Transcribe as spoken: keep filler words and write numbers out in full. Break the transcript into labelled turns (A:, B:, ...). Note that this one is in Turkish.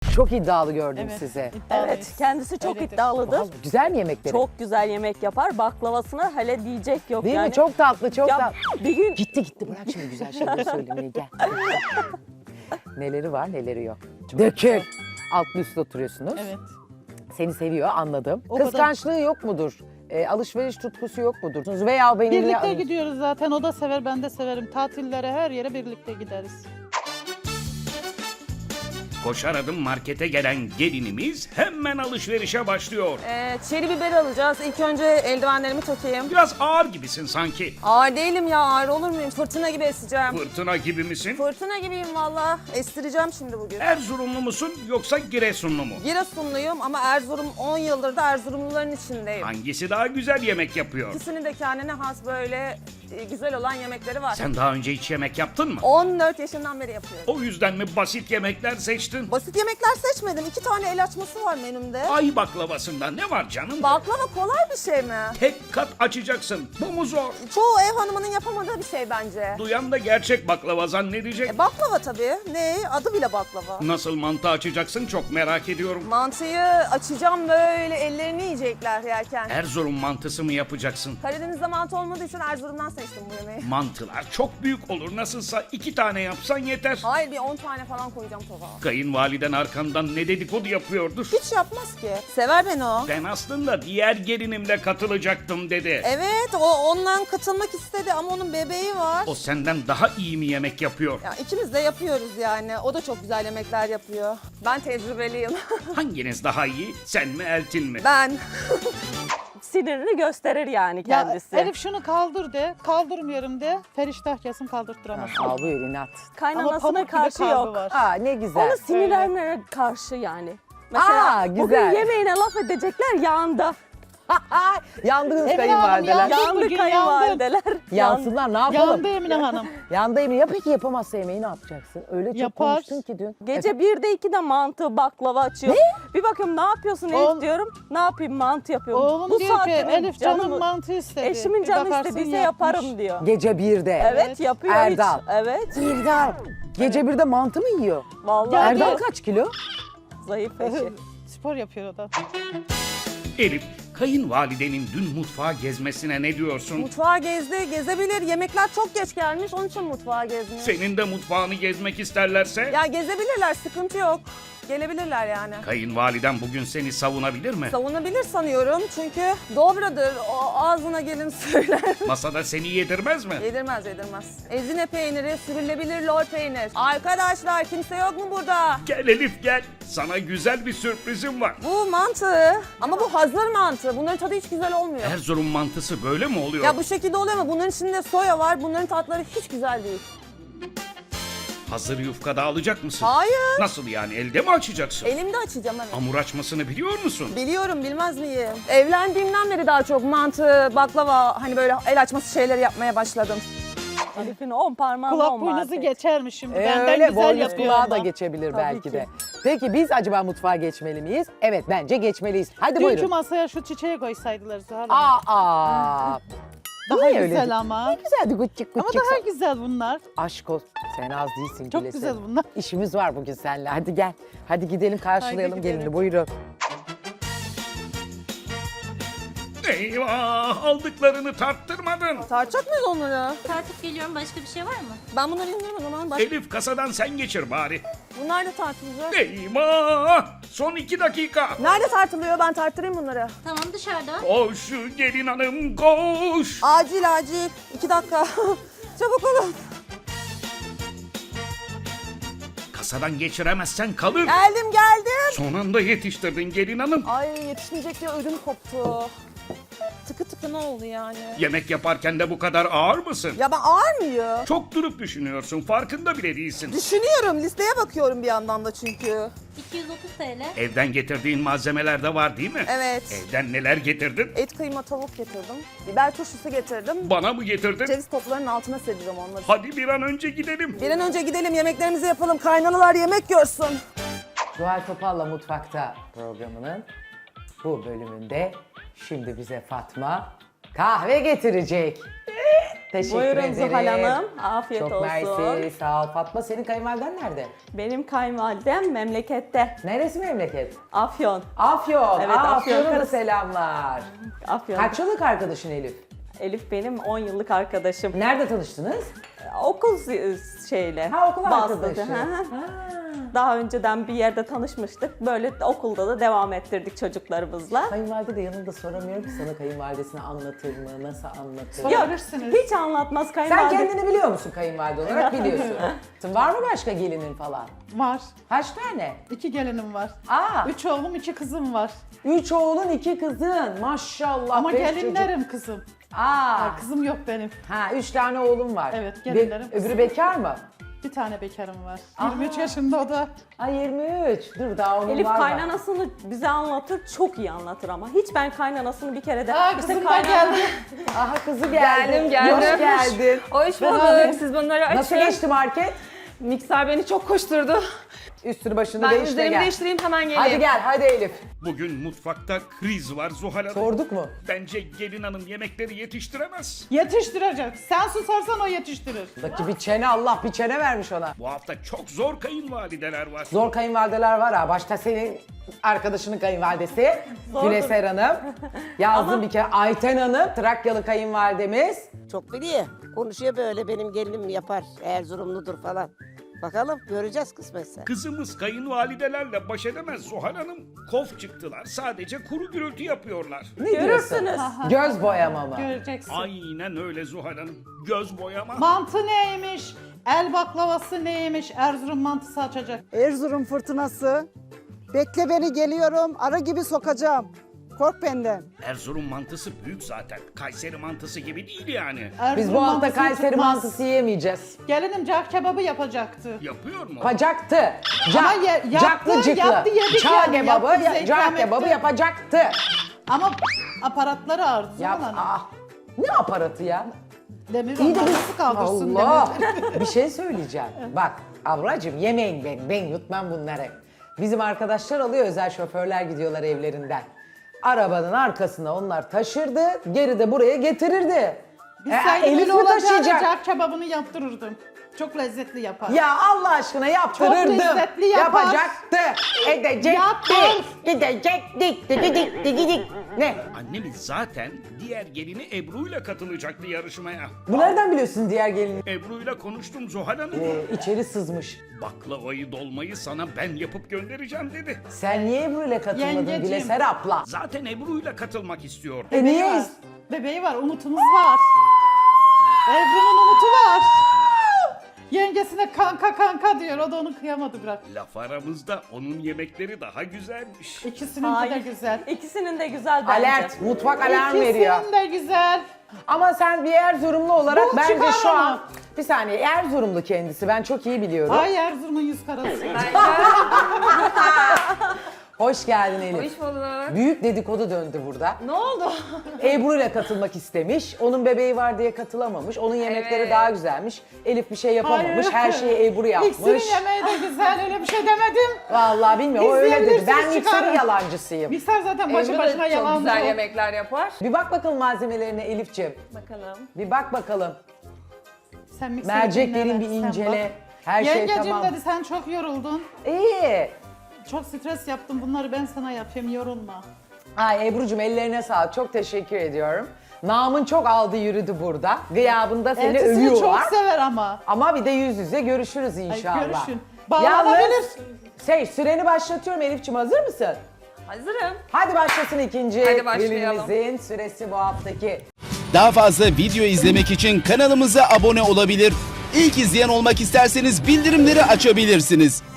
A: Çok iddialı gördüm
B: Evet,
A: sizi.
B: iddialıyız.
C: Evet, kendisi çok
B: Öyledir.
C: iddialıdır.
A: Vallahi güzel mi yemekleri?
C: Çok güzel yemek yapar. Baklavasına hele diyecek yok
A: Değil
C: yani.
A: mi? Çok tatlı, çok
C: Ya
A: tatlı.
C: bir gün
A: Gitti gitti bırak şimdi güzel şeyleri söylemeyi gel. Neleri var neleri yok. Dökül. Altlı üstte oturuyorsunuz.
B: Evet.
A: Seni seviyor anladım.
B: O kadar.
A: Kıskançlığı yok mudur? E, alışveriş tutkusu yok mudur? Veya benimle...
B: Birlikte gidiyoruz zaten. O da sever, ben de severim. Tatillere, her yere birlikte gideriz.
D: Koşar adım markete gelen gelinimiz hemen alışverişe başlıyor.
E: Ee, çeri biber alacağız. İlk önce eldivenlerimi takayım.
D: Biraz ağır gibisin sanki.
E: Ağır değilim ya, ağır olur muyum? Fırtına gibi eseceğim.
D: Fırtına gibi misin?
E: Fırtına gibiyim valla. Estireceğim şimdi bugün.
D: Erzurumlu musun yoksa Giresunlu mu?
E: Giresunluyum ama Erzurum on yıldır da Erzurumluların içindeyim.
D: Hangisi daha güzel yemek yapıyor?
E: İkisinin de kendine has böyle e, güzel olan yemekleri var.
D: Sen daha önce hiç yemek yaptın mı?
E: on dört yaşından beri yapıyorum.
D: O yüzden mi basit yemekler seçtin?
E: Basit yemekler seçmedim. İki tane el açması var menümde.
D: Ay baklavasında ne var canım?
E: Baklava kolay bir şey mi?
D: Tek kat açacaksın. Bu mu zor?
E: Çoğu ev hanımının yapamadığı bir şey bence.
D: Duyan da gerçek baklava zannedecek.
E: E, baklava tabii. Ne? Adı bile baklava.
D: Nasıl mantı açacaksın çok merak ediyorum.
E: Mantıyı açacağım böyle ellerini yiyecekler yerken.
D: Erzurum mantısı mı yapacaksın?
E: Karadeniz'de mantı olmadığı için Erzurum'dan seçtim bu yemeği.
D: Mantılar çok büyük olur. Nasılsa iki tane yapsan yeter.
E: Hayır bir on tane falan koyacağım tabağa.
D: Kayınvaliden arkandan ne dedikodu yapıyordur.
E: Hiç yapmaz ki. Sever beni o.
D: Ben aslında diğer gelinimle katılacaktım dedi.
E: Evet o ondan katılmak istedi ama onun bebeği var.
D: O senden daha iyi mi yemek yapıyor?
E: Ya ikimiz de yapıyoruz yani. O da çok güzel yemekler yapıyor. Ben tecrübeliyim.
D: Hanginiz daha iyi? Sen mi Eltin mi?
E: Ben.
C: sinirini gösterir yani
B: Ya
C: kendisi.
B: Elif şunu kaldır de, kaldırmıyorum de. Feriştah kesin kaldırttıramaz.
A: Al buyur inat.
B: Ama
C: Kaynanasına
B: pamuk gibi
C: karşı
B: kalbi
C: yok.
B: var.
A: Aa ne güzel.
C: Onu sinirlerine karşı yani.
A: Aa,
C: bugün
A: güzel.
C: yemeğine laf edecekler yağında.
A: Yandınız
B: Emine
A: kayınvalideler.
B: Hanım, Yandık
C: Yandı
B: bugün,
C: kayınvalideler.
A: Yansınlar ne yapalım?
B: Yandı Emine Hanım.
A: Yandı Emine. Ya peki yapamazsa yemeği ne yapacaksın? Öyle çok
B: Yapar.
A: konuştun ki dün.
C: Gece birde ikide mantı, baklava açıyor. Bir bakıyorum ne yapıyorsun Elif
B: Oğlum-
C: diyorum. Ne yapayım mantı yapıyorum.
B: Oğlum
C: Bu
B: diyor ki
C: saatte mi?
B: Elif canım
C: Canım-
B: mantı istedi.
C: Eşimin
B: Bir
C: canı
B: bakarsın
C: istediyse
B: yapmış.
C: yaparım diyor.
A: Gece birde.
C: Evet,
B: Evet.
C: yapıyor
A: Erdal.
C: hiç. Evet.
A: Erdal. Gece birde mantı mı yiyor?
C: Vallahi
B: Ya
A: Erdal
B: diyor-
A: kaç kilo?
C: zayıf eşi.
B: Spor yapıyor o da.
D: Elif, kayınvalidenin dün mutfağa gezmesine ne diyorsun?
E: Mutfağı gezdi, gezebilir. Yemekler çok geç gelmiş, onun için mutfağa gezmiyor.
D: Senin de mutfağını gezmek isterlerse?
E: Ya gezebilirler, sıkıntı yok. Gelebilirler yani.
D: Kayınvaliden bugün seni savunabilir mi?
E: Savunabilir sanıyorum çünkü dobradır, o ağzına gelin söyler.
D: Masada seni yedirmez mi?
E: Yedirmez yedirmez. Ezine peyniri, sürülebilir lor peynir. Arkadaşlar kimse yok mu burada?
D: Gel Elif gel. Sana güzel bir sürprizim var.
E: Bu mantı ama bu hazır mantı. Bunların tadı hiç güzel olmuyor.
D: Erzurum mantısı böyle mi oluyor?
E: Ya bu şekilde oluyor ama bunların içinde soya var. Bunların tatları hiç güzel değil.
D: Hazır yufkada alacak mısın?
E: Hayır.
D: Nasıl yani elde mi açacaksın?
E: Elimde açacağım evet.
D: Hamur açmasını biliyor musun?
E: Biliyorum bilmez miyim? Evlendiğimden beri daha çok mantı, baklava hani böyle el açması şeyleri yapmaya başladım.
C: Elif'in on parmağında
B: Kulak
C: on
B: boynuzu
C: marifet.
B: geçermiş şimdi.
A: Ee,
B: Benden
A: öyle
B: güzel
A: boynuz
B: yapıyor
A: kulağa
B: ama.
A: da geçebilir belki
C: ki.
A: de. Peki biz acaba mutfağa geçmeli miyiz? Evet bence geçmeliyiz. Hadi
B: Dünkü
A: buyurun.
B: masaya şu çiçeği koysaydılar Zuhal Hanım.
A: Aa, aa.
B: Daha
A: niye öyle
B: güzel
A: dedin?
B: ama.
A: Güzeldi gıççık
B: Ama
A: gıççık.
B: daha güzel bunlar.
A: Aşk olsun. Sen az değilsin
B: Çok
A: Gülesin.
B: güzel bunlar.
A: İşimiz var bugün seninle. Hadi gel. Hadi gidelim karşılayalım
B: Haydi
A: gelini.
B: gidelim.
A: Buyurun.
D: Eyvah aldıklarını tarttırmadın.
E: Tartacak mıyız onları?
F: Tartıp geliyorum. Başka bir şey var mı?
E: Ben bunları indirmem o zaman. Baş...
D: Elif kasadan sen geçir bari.
E: Bunlar da tartılacak.
D: Eyvah! Son iki dakika.
E: Nerede tartılıyor? Ben tarttırayım bunları.
F: Tamam dışarıda.
D: Koş gelin hanım koş.
E: Acil acil. İki dakika. Çabuk olun.
D: Kasadan geçiremezsen kalır.
E: Geldim geldim.
D: Son anda yetiştirdin gelin hanım.
E: Ay yetişmeyecek diye ödüm koptu. Tıkı tıkı ne oldu yani?
D: Yemek yaparken de bu kadar ağır mısın?
E: Ya ben ağır mıyım?
D: Çok durup düşünüyorsun farkında bile değilsin.
E: Düşünüyorum. Listeye bakıyorum bir yandan da çünkü.
F: iki yüz otuz TL.
D: Evden getirdiğin malzemeler de var değil mi?
E: Evet.
D: Evden neler getirdin?
E: Et kıyma tavuk getirdim. Biber turşusu getirdim.
D: Bana mı getirdin?
E: Ceviz toplarının altına sereceğim onları.
D: Hadi bir an önce gidelim.
E: Bir an önce gidelim yemeklerimizi yapalım. Kaynanalar yemek görsün.
A: Zuhal Topal'la Mutfakta programının bu bölümünde şimdi bize Fatma kahve getirecek. Teşekkür
C: Buyurun
A: ederim.
C: Zuhal Hanım. Afiyet
A: Çok
C: olsun.
A: mersi, sağ ol. Fatma, senin kayınvaliden nerede?
C: Benim kayınvalidem memlekette.
A: Neresi memleket?
C: Afyon.
A: Afyon.
C: Evet,
A: Aa,
C: Afyon
A: Afyon'a da
C: karısı.
A: selamlar.
C: Afyon.
A: Kaç yıllık arkadaşın Elif?
C: Elif benim on yıllık arkadaşım.
A: Nerede tanıştınız?
C: Okul zi- şeyle.
A: Ha, okul
C: vasıtası.
A: arkadaşı.
C: Hı hı.
A: Ha.
C: Daha önceden bir yerde tanışmıştık. Böyle okulda da devam ettirdik çocuklarımızla.
A: Kayınvalide de yanında soramıyorum ki sana kayınvalidesini anlatır mı, nasıl anlatır?
B: Yok. Sorabilirsiniz.
C: Hiç anlatmaz
A: Sen
C: kayınvalide.
A: kendini biliyor musun kayınvalide olarak? Biliyorsun. Var mı başka gelinin falan?
B: Var.
A: Kaç tane?
B: İki gelinim var.
A: Aa,
B: Üç oğlum, iki kızım var.
A: üç oğlun iki kızın. Maşallah.
B: Ama
A: beş
B: gelinlerim kızım.
A: çocuk. Aa,
B: Ha, kızım yok benim.
A: ha, üç tane oğlum var.
B: Evet,
A: Be-
B: gelinlerim.
A: öbürü bekar mı?
B: Bir tane bekarım var.
A: Aha.
B: yirmi üç yaşında o da.
A: Ay yirmi üç. Dur daha onun
C: Elif
A: var.
C: kaynanasını bize anlatır, çok iyi anlatır ama. Hiç ben kaynanasını bir kere de...
B: Aa,
C: işte
B: kızım da
C: kaynan-
B: geldi.
A: Aha kızı geldi.
E: Geldim, geldim.
A: Hoş geldin.
E: Hoş
B: Beraber.
E: bulduk. Siz bunları açın.
A: Nasıl geçti market?
E: Mikser beni çok koşturdu.
A: Üstünü başını
E: Ben
A: değiştir
E: üzerimi
A: gel.
E: değiştireyim hemen geleyim.
A: Hadi gel, hadi Elif.
D: Bugün mutfakta kriz var Zuhal Hanım.
A: Sorduk mu?
D: Bence gelin hanım yemekleri yetiştiremez.
B: Yetiştirecek. Sen susarsan o yetiştirir.
A: Buradaki bir çene, Allah bir çene vermiş ona.
D: Bu hafta çok zor kayınvalideler var.
A: Zor kayınvalideler var ha. Başta senin arkadaşının kayınvalidesi
C: Zordur.
A: Güleser Hanım. Yazdım
C: Ama-
A: bir kere. Ayten Hanım, Trakyalı kayınvalidemiz.
G: Çok biliyor. Konuşuyor böyle benim gelinim yapar. Erzurumludur falan. Bakalım göreceğiz kısmetse.
D: Kızımız kayınvalidelerle baş edemez Zuhal Hanım. Kof çıktılar. Sadece kuru gürültü yapıyorlar.
A: Ne diyorsun?
C: Görürsünüz.
A: Göz boyama mı?
B: Göreceksin.
D: Aynen öyle Zuhal Hanım. Göz boyama.
B: Mantı neymiş? El baklavası neymiş? Erzurum mantısı açacak.
H: Erzurum fırtınası. Bekle beni geliyorum. Ara gibi sokacağım. Kork benden.
D: Erzurum mantısı büyük zaten. Kayseri mantısı gibi değil yani.
B: Erzurum
A: Biz bu hafta
B: mantısını
A: Kayseri
B: tutmaz.
A: mantısı yiyemeyeceğiz.
B: Gelinim cağ kebabı yapacaktı.
D: Yapıyor mu?
A: Yapacaktı.
B: Ama ye- yaptı,
A: Caklı cıklı.
B: yaptı, yedik
A: Çağ
B: yani,
A: kebabı,
B: yaptı, bize
A: ya-
B: ikram
A: cağ kebabı
B: etti.
A: yapacaktı.
B: Ama aparatları ağrıdı.
A: Yap,
B: Zuhal Hanım.
A: ah. Ne aparatı ya?
B: Demir
A: İyi de
B: onu
A: biz...
B: nasıl kaldırsın
A: Allah!
B: demir.
A: Bir şey söyleyeceğim. Bak ablacığım yemeyin ben, ben yutmam bunları. Bizim arkadaşlar alıyor, özel şoförler gidiyorlar evlerinden. Arabanın arkasına onlar taşırdı, geri de buraya getirirdi.
B: Biz
A: E,
B: sen
A: Elif
B: öyle
A: mi
B: olacağını
A: taşıyacak?
B: cağ kebabını yaptırırdım. Çok lezzetli yapar.
A: Ya Allah aşkına yaptırırdım.
B: lezzetli yapar.
A: Yapacaktı. Edecekti.
B: Yapar.
A: Gidecektik. Gidik gidik. Ne?
D: Annemiz zaten diğer gelini Ebru'yla katılacaktı yarışmaya.
A: Bu nereden biliyorsun diğer gelini?
D: Ebru'yla konuştum Zuhal Hanım.
A: Ee, içeri sızmış.
D: Baklavayı dolmayı sana ben yapıp göndereceğim dedi.
A: Sen niye Ebru'yla katılmadın
B: Yengeciğim.
A: Güleser abla?
D: Zaten Ebru'yla katılmak istiyor.
A: E niye?
B: Bebeği var. Bebeği var. Umutumuz var. Ebru'nun umutu var. Yengesine kanka kanka diyor. O da onu kıyamadı bırak.
D: Laf aramızda onun yemekleri daha güzelmiş.
B: İkisinin de
C: Hayır.
B: güzel.
C: İkisinin de güzel bence.
A: Alert, mutfak alarm veriyor.
B: İkisinin de güzel.
A: Ama sen bir Erzurumlu olarak
B: Bu
A: bence
B: çıkar
A: şu
B: ama.
A: an... Bir saniye, Erzurumlu kendisi. Ben çok iyi biliyorum.
B: Ay Erzurum'un yüz karası.
A: Hoş geldin Elif.
E: Hoş bulduk.
A: Büyük dedikodu döndü burada.
E: Ne oldu?
A: Ebru ile katılmak istemiş. Onun bebeği var diye katılamamış. Onun yemekleri
E: Evet.
A: daha güzelmiş. Elif bir şey yapamamış.
B: Hayır.
A: Her şeyi Ebru yapmış.
B: İkisinin yemeği de güzel. Öyle bir şey demedim.
A: Vallahi bilmiyorum. O öyle dedi.
B: İzleyebilirsiniz,
A: Ben mikserin
B: çıkarın.
A: yalancısıyım.
B: Mikser zaten başı
E: Ebru
B: başına
E: da çok
B: yalancı.
E: güzel
B: o.
E: yemekler yapar.
A: Bir bak bakalım malzemelerine Elif'ciğim.
E: Bakalım.
A: Bir bak bakalım.
B: Sen mikseri
A: Merceklerin
B: dinleme,
A: bir
B: sen
A: incele.
B: bak.
A: Her şey
B: Yengecim
A: tamam.
B: dedi sen çok yoruldun.
A: İyi.
B: Çok stres yaptım. Bunları ben sana yapayım. Yorulma.
A: Ay Ebru'cum ellerine sağlık. Çok teşekkür ediyorum. Namın çok aldı yürüdü burada. Gıyabında seni
B: Eltisini
A: övüyorlar.
B: çok sever ama.
A: Ama bir de yüz yüze görüşürüz inşallah.
B: görüşün. Bağlanabilir.
A: Yalnız şey, süreni başlatıyorum Elif'ciğim, hazır mısın?
E: Hazırım.
A: Hadi başlasın ikinci
E: Hadi başlayalım.
A: gelinimizin süresi bu haftaki.
I: Daha fazla video izlemek için kanalımıza abone olabilir. İlk izleyen olmak isterseniz bildirimleri açabilirsiniz.